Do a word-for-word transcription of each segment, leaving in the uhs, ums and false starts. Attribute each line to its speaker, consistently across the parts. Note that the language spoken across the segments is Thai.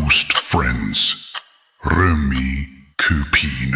Speaker 1: Ghost Friends เรื่องนี้คือผีนะ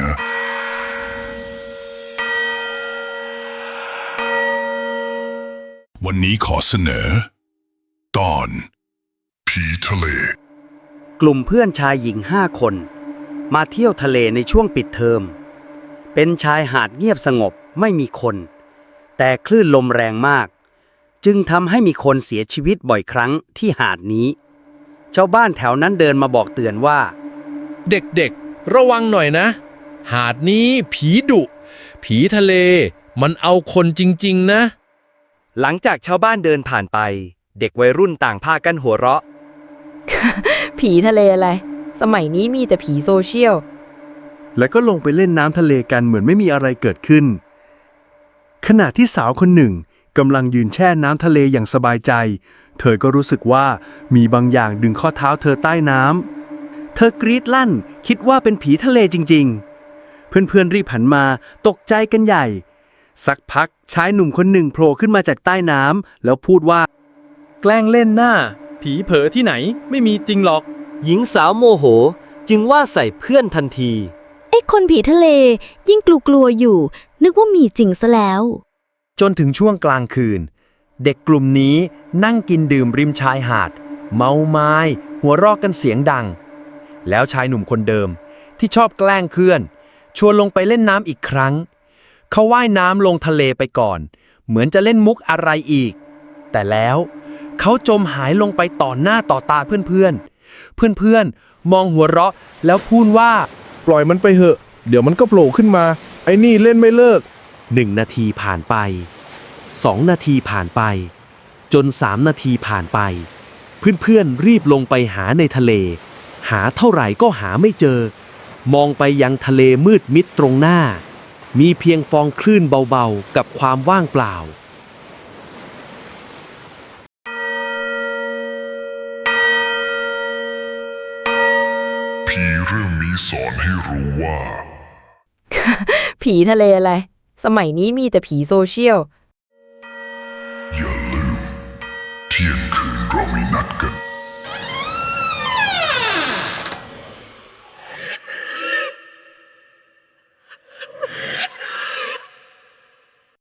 Speaker 1: วันนี้ขอเสนอ ตอนผีทะเล
Speaker 2: กลุ่มเพื่อนชายหญิงห้าคนมาเที่ยวทะเลในช่วงปิดเทอมเป็นชายหาดเงียบสงบไม่มีคนแต่คลื่นลมแรงมากจึงทำให้มีคนเสียชีวิตบ่อยครั้งที่หาดนี้ชาวบ้านแถวนั้นเดินมาบอกเตือนว่า
Speaker 3: เด็กๆระวังหน่อยนะหาดนี้ผีดุผีทะเลมันเอาคนจริงๆนะ
Speaker 2: หลังจากชาวบ้านเดินผ่านไปเด็กวัยรุ่นต่างพากันหัวเราะ
Speaker 4: ผีทะเลอะไรสมัยนี้มีแต่ผีโซเชียล
Speaker 5: แล้วก็ลงไปเล่นน้ำทะเลกันเหมือนไม่มีอะไรเกิดขึ้นขณะที่สาวคนหนึ่งกำลังยืนแช่น้ำทะเลอย่างสบายใจเธอก็รู้สึกว่ามีบางอย่างดึงข้อเท้าเธอใต้น้ำเธอกรีดลั่นคิดว่าเป็นผีทะเลจริงๆเพื่อนๆรีบหันมาตกใจกันใหญ่สักพักชายหนุ่มคนหนึ่งโผล่ขึ้นมาจากใต้น้ำแล้วพูดว่า
Speaker 6: แกล้งเล่นหน้าผีเผลอที่ไหนไม่มีจริงหรอก
Speaker 2: หญิงสาวโมโหจึงว่าใส่เพื่อนทันที
Speaker 7: ไอ้คนผีทะเลยิ่งกลัวๆอยู่นึกว่ามีจริงซะแล้ว
Speaker 8: จนถึงช่วงกลางคืนเด็กกลุ่มนี้นั่งกินดื่มริมชายหาดเมาไม้หัวเราะกันเสียงดังแล้วชายหนุ่มคนเดิมที่ชอบแกล้งเพื่อนชวนลงไปเล่นน้ำอีกครั้งเขาว่ายน้ำลงทะเลไปก่อนเหมือนจะเล่นมุกอะไรอีกแต่แล้วเขาจมหายลงไปต่อหน้าต่อตาเพื่อนๆเพื่อนๆมองหัวเราะแล้วพูดว่า
Speaker 9: ปล่อยมันไปเหอะเดี๋ยวมันก็โผล่ขึ้นมาไอ้นี่เล่นไม่เลิก
Speaker 5: หนึ่งนาทีผ่านไปสองนาทีผ่านไปจนสามนาทีผ่านไปเพื่อนๆรีบลงไปหาในทะเลหาเท่าไหร่ก็หาไม่เจอมองไปยังทะเลมืดมิดตรงหน้ามีเพียงฟองคลื่นเบาๆกับความว่างเปล่า
Speaker 1: ผีเรื่องนี้สอนให้รู้ว่า
Speaker 4: ผีทะเลอะไรสมัยนี้มีแต่ผีโซเชียล